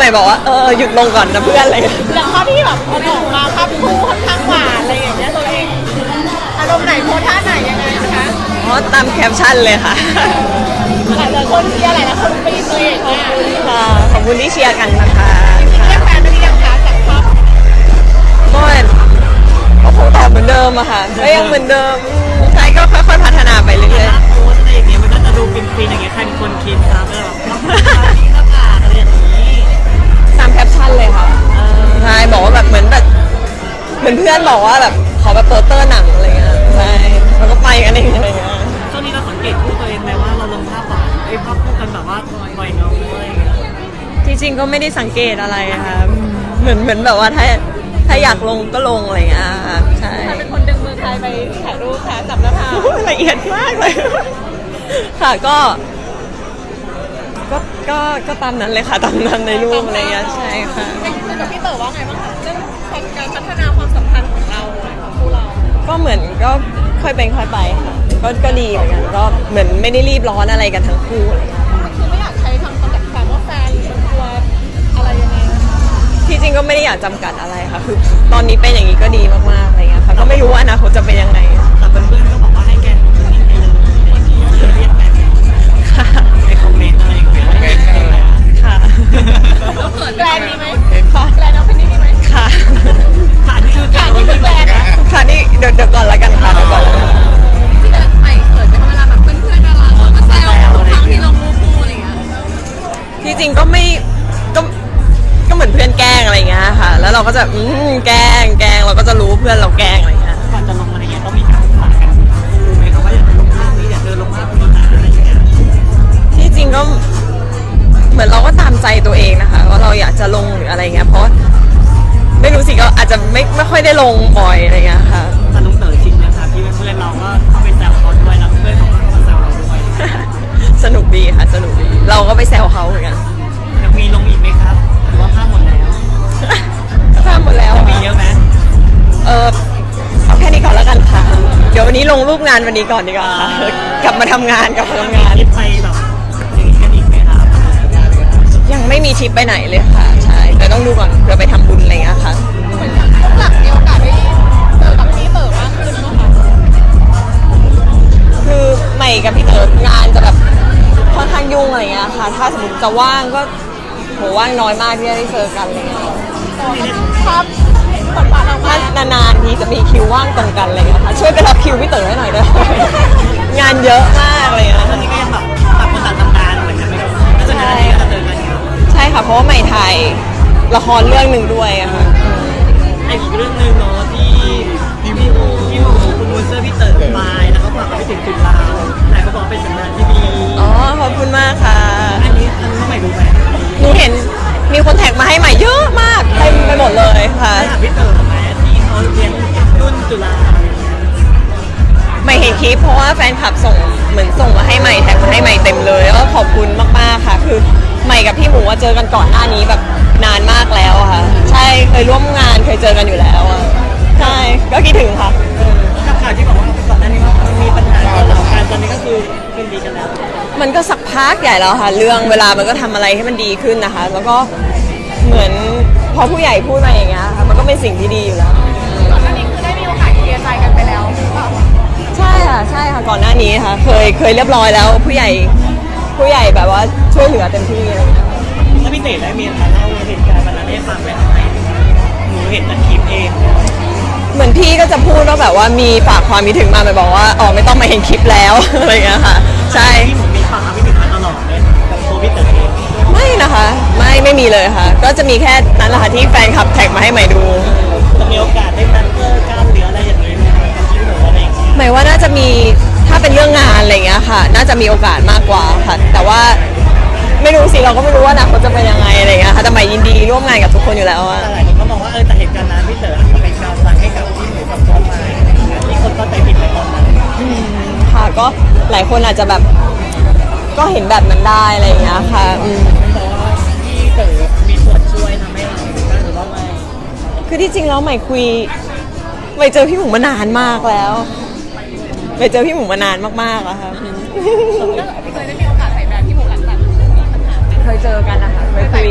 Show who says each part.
Speaker 1: บอกว่าหยุดลงก่อนนะเพื่อนอะไร
Speaker 2: แล้วภาพที่แบบเอาออกมาภาพคู่ค่อนข้างหวานอะไรอย่างเงี้ยตัวเองอารมณ์ไหนโพสท่าไหนยังไงนะคะ
Speaker 1: เพราะตามแคปชั่นเลยค่ะ
Speaker 2: หลายคนเชียร์หลายคนปีตัวเองมาก
Speaker 1: ค่ะขอบคุณที่เชียร์กันนะคะ
Speaker 2: เรียกแฟนไม่ได้ยังคะจากภาพ
Speaker 1: ก็คงตอบเหมือนเดิมอะค่ะก็ยังเหมือนเดิมใช่ก็ค่อยๆพัฒนาไปเรื่อย
Speaker 3: โพสอะไรอย่างเงี้ยมันก็จะดูฟินๆอย่างเงี้ยใครเป็นคนคิดครับแบบนี้หน้าผากอะไรอย่างนี้
Speaker 1: ๆตามแคปชั่นเลยค่ะใช่บอกว่าแบบเหมือนเพื่อนบอกว่าแบบขอแบบโปสเตอร์หนังอะไรเงี้ยใช่แล้วก็ไปกันเองอะไรเงี้ย
Speaker 3: ช่วงนี้เราสังเกตคู่ตัวเองไหมว่าเราลงภาพหวานภาพคู่กันแบบว่าปล่อยเงาอะไรอย่างเงี้ย
Speaker 1: ที่จริงก็ไม่ได้สังเกตอะไรค่ะเหมือนแบบว่าถ้าอยากลงก็ลงอะไรเงี้ยค่ะใช่
Speaker 2: เป็นคนดึงมือใครไปถ่ายรูปค่ะจับหน้าผาก
Speaker 1: ละเอียดมากเลยค่ะก็ตามนั้นเลยค่ะตามนั้นในรูปอะไรเงี้ยใช่ค่ะ
Speaker 2: คุยกับพี่เต๋อว่าไงบ้างคะเรื่องการพัฒนาความสัมพันธ์ของเราของคู่เรา
Speaker 1: ก็เหมือนก็ค่อยเป็นค่อยไปค่ะก็ดีเหมือนกันก็เหมือนไม่ได้รีบร้อนอะไรกันทั้งคู่อะไรเงี้ย
Speaker 2: คือไม่อยากใช้คำจำกัดความว่าแฟนหรือตัวอะไรยังไงนะคะ
Speaker 1: ที่จริงก็ไม่ได้อยากจำกัดอะไรค่ะคือตอนนี้เป็นอย่างนี้ก็ดีมากๆอะไรเงี้ยค่ะก็ไม่รู้ว่าอนาคตจะเป็นยังไง
Speaker 3: แต่เพื่อนๆก็บอกว่าให้แกนนิ่งไปเลยอะไรอย่างเงี้ยเรียกแฟน
Speaker 1: ค่ะ
Speaker 3: ในคอมเมนต์อะไรอย่างเงี้ย
Speaker 1: ค่ะ
Speaker 2: เราเขินแกรนมีไหมค่ะแกรนเอาเป็นนี่มีไหม
Speaker 1: ค่ะ
Speaker 3: ค่ะนี่คือการที่แฟน
Speaker 1: ค่ะนี่เดี๋ยวก่อนละกันค่ะเดี๋ยวก่อนละกัน
Speaker 2: ที่เดินไปเขินไหมคะเวลาแบบเพื่อนๆดาราเขามาแซวทุกครั้งที่ลงรูปคู่อะไรอย่างเงี้ย
Speaker 1: ที่จริงก็ไม่ก็เหมือนเพื่อนแกล้งอะไรเงี้ยค่ะ แล้วเราก็จะแกล้งเราก็จะรู้เพื่อนเราแกล้งอะไรเงี้ย
Speaker 3: ก่อนจะลงอะไรเงี้ยต้องมีการศึกษากันดูไหมครับว่าอยากจะลงภาพนี้อยากเดินลงภาพนี้นะอะไรอย่างเงี้ย
Speaker 1: ที่จริงก็เหมือนเราก็ตามใจตัวเองนะคะว่าเราอยากจะลงหรืออะไรเงี้ยเพราะไม่รู้สิก็อาจจะไม่ค่อยได้ลงบ่อยอะไรเงี้ยค่ะ
Speaker 3: แต่ลุงเต๋อชินนะครับที่เพื่อนเราก็เข้าไปแซวเขาด้วยแล้วเพื่อนเขาก็เข้ามาแซวเราด้วย
Speaker 1: สนุกดีค่ะสนุกดีเราก็ไปแซวเขาเหมือนกัน
Speaker 3: ยังมีลงอีกไหมครับหรือว่าภาพหมดแล้ว
Speaker 1: ทราบหมดแล้ว
Speaker 3: มีเยอะไหม
Speaker 1: เอาแค่นี้ก่อนแล้วกันค่ะ เดี๋ยววันนี้ลงรูปงานวันนี้ก่อนดีกว่าค่ะกลับมาทำงานกลับมาทำงาน
Speaker 3: คิดไปแบบอย่างนี้กันอีกไหมครับ
Speaker 1: ยังไม่มีทริปไปไหนเลยค่ะใช่แต่ต้องดูก่อนเพื่อไปทำบุญอะไรเงี้ยค่ะ
Speaker 2: เหมือนพวกหลักมีโอกาสได้เจอกับพี่เต๋อมากขึ้นนะคะ
Speaker 1: คือใหม่กับพี่เต๋องานจะแบบค่อนข้างยุ่งอะไรเงี้ยค่ะ ถ้าสมมติจะว่างก็โหว่างน้อยมากที่จะได้เจอกันอะไรเงี้ย
Speaker 2: ภาพบทบาทเรามา
Speaker 1: ถ้านานๆทีจะมีคิวว่างตรงกันอะไรเงี้ยค่ะช่วยไปรับคิวพี่เต๋อให้หน่อยด้วย งานเยอะมากเลยนะ
Speaker 3: ตอนนี้ก็ยังแบบต่างคนต่างทำงานเหมือนกันไหมครับแล้วส่วนใหญ่ก็จะเจอกันอยู่
Speaker 1: ใช่ค่ะเพราะว่าใหม่ถ่ายละครเรื่องหนึ่งด้วยอะค่ะ
Speaker 3: ไอ้อีกเรื่องหนึ่งเนาะที่พี่หมูคุณมูนเซอร์พี่เต๋อไปแล้วก็ฝากไปถึงจุฬาแต่ก็บอกเป็นสัญญาณที่ดี
Speaker 1: อ๋อขอบคุณมากค่ะ
Speaker 3: อันนี้ใหม่รู้ไหม
Speaker 1: หนูเห็นมีคนแท็กมาให้ใหม่เยอะมากเต็มไปหมดเลยค่ะ
Speaker 3: ถามพี่เต๋อไหมที่เขาเรียนรุ่นจุฬาอะไรอย่างเงี้ย
Speaker 1: ใหม่เห็นคลิปเพราะว่าแฟนคลับเหมือนส่งมาให้ใหม่แท็กมาให้ใหม่เต็มเลยแล้วก็ขอบคุณมากๆค่ะ คือใหม่กับพี่หมูว่าเจอกันก่อนหน้านี้แบบนานมากแล้วอะค่ะ ใช่เคยร่วมงานเคยเจอกันอยู่แล้วอะใช่ก็คิดถึงค่ะ
Speaker 3: กับข่าวที่บอกว่าก่อนหน้านี้ว่ามีปัญหาเกาเหลากันตอนนี้ก็คือคืนดีกันแล้ว
Speaker 1: มันก็สักพักใหญ่แล้วค่ะ เรื่องเวลามันก็ทำอะไรให้มันดีขึ้นนะคะ แล้วก็เหมือนพอผู้ใหญ่พูดมาอย่างเงี้ยค่ะมันก็เป็นสิ่งที่ดีอยู่แล้ว
Speaker 2: ก่อนหน้านี้คือได้มีโอกาสเคลียร์ใจกันไปแล้วหรือเปล่า
Speaker 1: ใช่ค่ะก่อนหน้านี้ค่ะ เคยเรียบร้อยแล้วผู้ใหญ่แบบว่าช่วยเหลือเต็มที่อะไรอย่างเงี้ย
Speaker 3: ถ้าพี่เต๋อได้มีมาเล่าเหตุการณ์วันนั้นให้ฟังไหมทำไมหนูเห็นแต่คลิปเอง
Speaker 1: เหมือนพี่ก็จะพูดว่าแบบว่ามีฝากความคิดถึงมาไปบอกว่าอ๋อไม่ต้องมาเห็นคลิปแล้ว อะไรอย่างเงี้ยค่ะ ใช่
Speaker 3: ที่หนูมีความคิดถึงมาตลอดเลยกับตัวพี่เต๋อเอง
Speaker 1: ไม่นะคะไม่มีเลยค่ะ ก็จะมีแค่นั้นแหละค่ะที่แฟนคลับแท็กมาให้ใหม่ดู
Speaker 3: จะมีโอกาสได้นัดเจอกันหรืออะไรอย่างนี้ไหมครับที่หนูอะไรอย่างเงี้ย
Speaker 1: หมายว่าน่าจะมีถ้าเป็นเรื่องงานอะไรอย่างเงี้ยค่ะ น่าจะมีโอกาสมากกว่าค่ะ แต่ว่าไม่รู้สิเราก็ไม่รู้ว่าอนาคตจะเป็นยังไงอะไรอย่างเงี้ยค่ะแต่ใหม่ยินดีร่วมงานกับทุกคนอยู่แล้วอะ
Speaker 3: แต่หลายคนก็มองว่าแต่เหตุการณ์นั้นพี่เต๋ออาจจะเป็นการสั่งให้กับพี่หนูกับตัวมาที่คนก็ใจผิดไปตอนนั้น
Speaker 1: ค่ะก็หลายคนอาจจะแบบก็เห็นแบบนั้นได้อะไรอย่างเงี้ยค่ะ
Speaker 3: แต่ว่าพี่เต๋อมีส่วนช่วยทำให้เราหรือว่าไม่
Speaker 1: คือที่จริงแล้วใหม่เจอพี่หมูมานานมากแล้วใหม่เจอพี่หมูมานานมากๆอะค่ะ
Speaker 2: เคยได้มีโอกาสใส่แบรนด์ที่หมูหลังจากมีปัญหากัน
Speaker 1: เคยเจอกันนะคะเคยคุย